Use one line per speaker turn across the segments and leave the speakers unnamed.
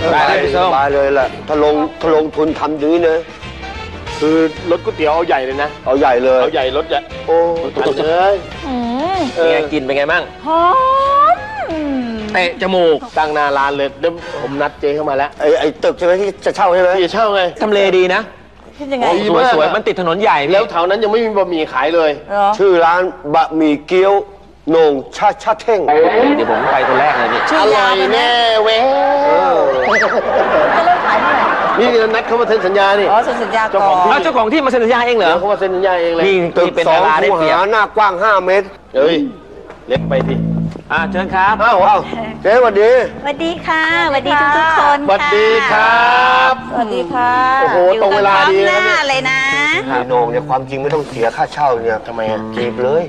ได้เลยพี่ส้ม
สบายเลยแหละถ้าลงทุนทำอย่างนี้นะ
คือรถก๋วยเตี๋ยวเอาใหญ่เลยนะ
เอาใหญ่เลย
เอาใหญ่รถใหญ่โอ้ทันเลย
เป็นไงกินเป็นไงบ้าง
หอม
เตะจมูก
ตั้งหน้าร้านเลยเดี๋ยวผมนัดเจ๊เข้ามาแล้ว
ไอ้ตึกใช่ไหมที่จะเช่าใช่ไหม
พี่จะเช่าไง
ทำเลดีนะ
คิดยังไง
โอ้
สวยสวยมันติดถนนใหญ่พี่
แล้วแถวนั้นยังไม่มีบะหมี่ขายเลย
เหรอ
ชื่อร้านบะหมี่เกี๊ยวโหน่งชาเท่ง
เดี๋ยวผมไปคนแรกเลยพี่
ชื่อยาวเลยนะ
แน่เว้ย
จะเริ่มขายเมื่อไหร่
นี่นัดเขามาเซ็นสัญญานี่
อ๋อเซ็นสัญญาก่อน
เจ้าของที่มาเซ็นสัญญาเองเหรอ
เดี๋ยวเขามาเซ็นสัญญาเองเลย
นี่
ตึก
เป็น
สอ
ดางราได้
คู
เปรียบ
หาหน้ากว้าง5 เมตร
เฮ้ยเล็กไปดิ
เชิญครับ
เอ้าเจ๊สวัสดี
สวัสดีค่ะสวัสดีทุกๆคน
สวัสดีครับ
สวัสดีค่ะ
โอ้โห
อยู่
ตรงเวลาดี
กันพร้อมห
นะ
น้า
เนี่ย
เลยนะ
ไอ้โหน่งเนี่ยความจริงไม่ต้องเสียค่าเช่าเนี่ย
ทำไมอ่ะ
จีบเลย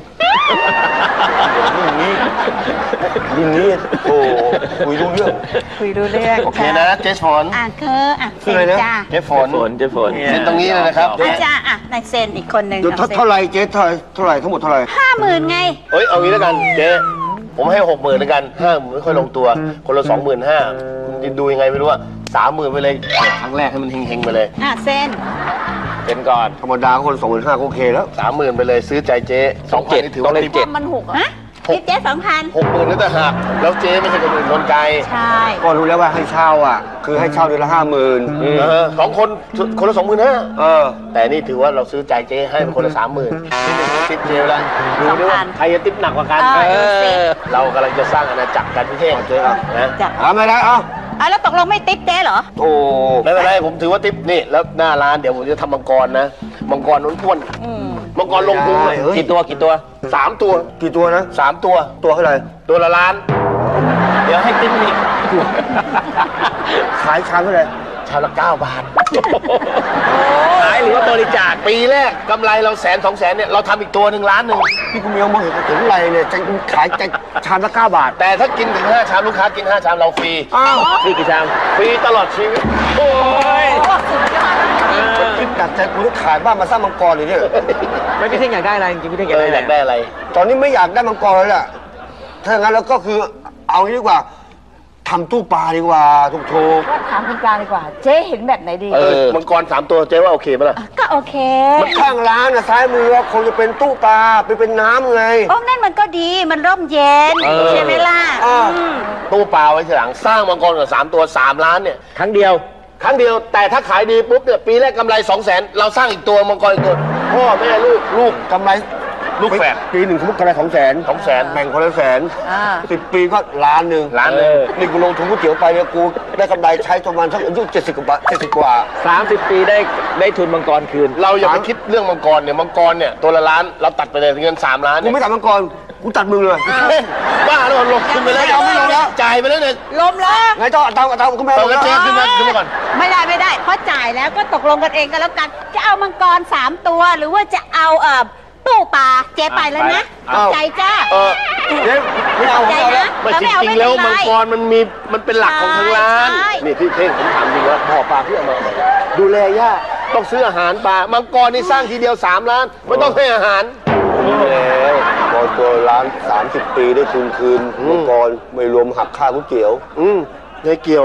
ยิ่งนี้โอ้คุยรู้เรื่อง
คุยดูเรื่อง
โอเคนะเจ๊ฝน
อ่ะคืออ่ะ
คืออะไรนะ
จ้า
เจ๊ฝน
เจ๊ฝน
เซ็นตรงนี้เลยนะครับ
อาจารย์อ่ะนายเซนอีกคนหนึ่ง
เท่าไรเจ๊เท่าไรทั้งหมดเท่าไร
50,000ไง
เอ้ยเอางี้แล้วกันเจ๊ผมให้60,000แล้วกัน50,000ไม่ค่อยลงตัว คนละ25,000คุณจะดูยังไงไม่รู้ว่า30,000ไปเลยครั้งแรกให้มันเฮงๆไปเลย
อ่ะเซน
เป็นก่อน
ธรรมดาคน25,000ก็โอเคแล้ว
30,000ไปเลยซื้อใจเจ๊2,000นี่ถือว่า
ต้องเลข
ติด
เจ็ด
มันหกอ่ะ
ฮะทิปเจ๊2,000
60,000นั่นแต่หักแล้วเจ๊ไม่ใช่คนอื่นคนไกล
ใช่
ก็รู้แล้วว่าให้เช่าอ่ะ คือให้เช่าเดือนละ50,000
สองคนละ25,000แต่นี่ถือว่าเราซื้อใจเจ๊ให้เป็นคนละ30,000นี่เป็นติ๊บเจ๊แล้วดูดิว่าใครจะติ๊บหนักกว่ากัน เรากำลังจะสร้างอาณาจักรกันพี่เท่งเจ๊นะ
ไม่ได้เอา
อ่ะแล้วตกลงไม่ติ๊ปเจ๊เหรอ
โอ้
ไม่เป็นไรผมถือว่าติ๊บนี่แล้วหน้าร้านเดี๋ยวผมจะทำมังกรนะมังกรอ้วนๆมังกรลงพุงเลย
กี่ตัว
3 ตัว
กี่ตัวนะ
3 ตัว
ตัวเท่าไหร่
ตัวละล้าน เดี๋ยวให้ติ๊บอีก
ขายชามเท่าไหร่
ชามละ9 บาท
ขายหรือว่าบริจาค
ปีแรกกำไรเรา100,000-200,000เนี่ยเราทำอีกตัว1 ล้าน
พี่คุณเมียมองเห็นถึงไรเนี่ยจะขายจะชามละ9 บาท
แต่ถ้ากินถึง5 ชามลูกค้ากิน5 ชามเราฟรี
อ้าว
นี่กี่ชาม
ฟรีตลอดชีวิต
โอ้ย
คิดดักใจกูต้องขายบ้านมาสร้างมังกรเลยเนี่ย
ไม่พี่เท่งอยากได้อะไรจริงๆพี่เท่งอยากได้
อยากได้อะไร
ตอนนี้ไม่อยากได้มังกรแล้วแหละถ้าอย่างนั้นแล้วก็คือเอางี้ดีกว่าทำตู้ปลาดีกว่าถูก
ว่าถามคุณปลาดีกว่า เจ๊เห็นแบบไหนดี
มังกร3 ตัวเจ๊ว่าโอเคไหมล่ะ
ก็โอเค
ๆมันข้างร้านนะซ้ายมือคงจะเป็นตู้ปลาเป็นน้ำไง
โอ้นั่นมันก็ดีมันร่มเย็นใช่ไหมล่ะ
อ่า
อืม
ตู้ปลาไว้ทีหลังสร้างมังกรกับ3 ตัว3 ล้านเนี่ย
ครั้งเดียว
ครั้งเดียวแต่ถ้าขายดีปุ๊บเนี่ยปีแรกกำไร200,000เราสร้างอีกตัวมังกรอีกตัวพ่อแม่ลูก
กำไร
ลูกแฝด
ปีหนึ่งสมมติกำไร200,000
200,000
แบ่งคนละ100,000
อ่า
10 ปีก็1 ล้านหนึ่ง
ล้านหนึ่ง
นี่กูลงทุนก๋วยเตี๋ยวไปเนี่ยกูได้กำไรใช้ประมาณสักอายุ70 กว่าบาท70 กว่า
30 ปีได้ทุนมังกรคืน
เราอย่าไปคิดเรื่องมังกรเนี่ยมังกรเนี่ยตัวละล้านเราตัดไปเลยเงิน3 ล้าน
กู
เนี่ย
ไม่ตัดมังกรกูตัดมึงเลย
บ้าแล้วลงทุนไปแล้ว
ไม่ลงแล้ว
จ่ายไปแล้วเนี่ย
ลมแล้ว
ไงเจ้าเอาตังกูไม่
ตอ
เอา
นนั้น
แล้ว
เจ๊ขึ้นมาก่อน
ไม่ได้เพราะจ่ายแล้วก็ตกลงกันเองกันแล้วกัน จะเอามังกร3 ตัว หรือว่าจะเอาตู้ปลาเจ๊ไปแล้วนะใจจ้า
เจ๊ไม่เอา
ใจ
ไม่เอาแล้ว
นะ
ไม่
ถ้า
จ
ไม่เอา
ริ
ไม่
งๆ
เป็
แล้ว
นไร
มังกรมันเป็นหลักของทางร้าน
ใช่
นี่พี่เท่งผมถามจริงว่าพ่อปลาพี่เอามาดูแลย่าต้องซื้ออาหารปลามังกรนี่สร้างทีเดียว3 ล้านไม่ต้องให้อาหาร
แล้วพอตัวร้าน30 ปีได้ทุนคืนมังกรไม่รวมหักค่าก๋วยเตี๋ยว
เฮ้ยเกี่ยว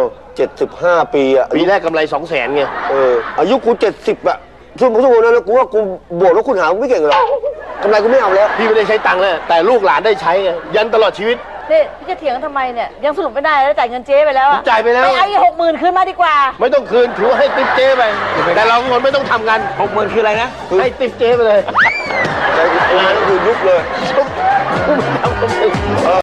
75 ปีอ่ะ
ปีแรกกำไร200,000ไง
อายุกู70อ่ะช่วงนั้นแล้วกูว่ากูบวกแล้วคุณหาไม่เก่งหรอกกำไรกูไม่เอาแล้ว
พี่ไม่ได้ใช้ตังค์แล้วแต่ลูกหลานได้ใช้ไงยันตลอดชีวิต
นี่พี่จะเถียงทำไมเนี่ย ยังสรุปไม่ได้แล้วจ่ายเงินเจ๊ไปแล้วอะ
จ่ายไปแล้ว
ไปเอาอีก60,000คืนมาดีกว่า
ไม่ต้องคืนถือว่าให้ติ๊บเจ๊ไปแต่เราคนไม่ต้องทำงาน
60,000คืออะไรนะ
ให้ติ๊บเจ๊ไปเลย
ร้านคือยุบเลย
กูไม่ทำคนอื่น